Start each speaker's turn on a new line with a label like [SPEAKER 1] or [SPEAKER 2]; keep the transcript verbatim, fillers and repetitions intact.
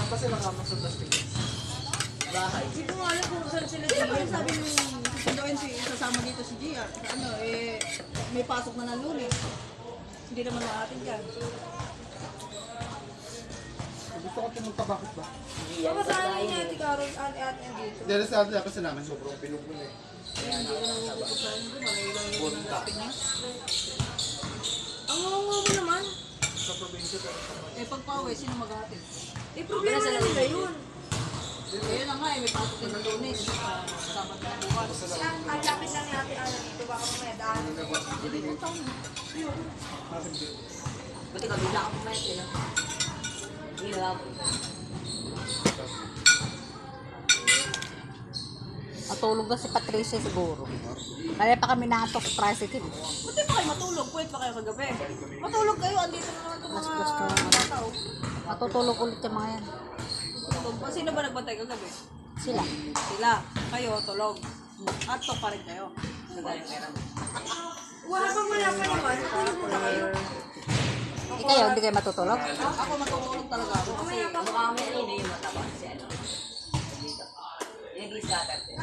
[SPEAKER 1] Saan pa sila kama sa plastic? Bahay.
[SPEAKER 2] Hindi ko alam kung saan sila G R. Sabi nung susunduin si sasama dito si G R. Sa ano, eh, may pasok na ng Lunes. Hindi naman maatin dyan.
[SPEAKER 1] Gusto ko pumunta, bakit ba?
[SPEAKER 2] Baka saan niya, Ate Carol, ate ate dito.
[SPEAKER 1] Dahil sa atin kasi namin sobrang pinupun eh.
[SPEAKER 2] Hindi ko na napupusan ko, manailang yung
[SPEAKER 1] Punta.
[SPEAKER 2] natin niya. Ang ngungo mo naman.
[SPEAKER 1] Sa probinsya pero sa
[SPEAKER 2] Eh, pagpawi, sino mag-atin? Eh, problema na nila yun. Ayun na nga eh, may pasok din ng Lunes. Kasama na bukas.
[SPEAKER 3] Ang lapit lang ni Ate Ana dito, baka mamaya daan.
[SPEAKER 2] Hindi ko taon. Ayun.
[SPEAKER 4] Buti kabila ako mamaya sila. Hirap. Matulog na si Patricia siguro. Kaya pa kami nakatok sa tricycle.
[SPEAKER 2] Buti pa kayo matulog, puwet pa kayo kagabi. Matulog kayo, andito na naman itong mga
[SPEAKER 4] Mas gusto ko.
[SPEAKER 2] tao.
[SPEAKER 4] Matutulog ulit yung mga yan.
[SPEAKER 2] Tulog pa. Sino ba nagbantay kagabi?
[SPEAKER 4] Sila.
[SPEAKER 2] Sila. Kayo, tulog. At to pa rin kayo.
[SPEAKER 3] Wala pang wala pa naman. Tulog mo na kayo.
[SPEAKER 4] Eh kayo, hindi kayo matutulog?
[SPEAKER 2] Ako matutulog talaga ako kasi
[SPEAKER 4] Mukha kami rin yung mataba si ano. Yung nag-scatter.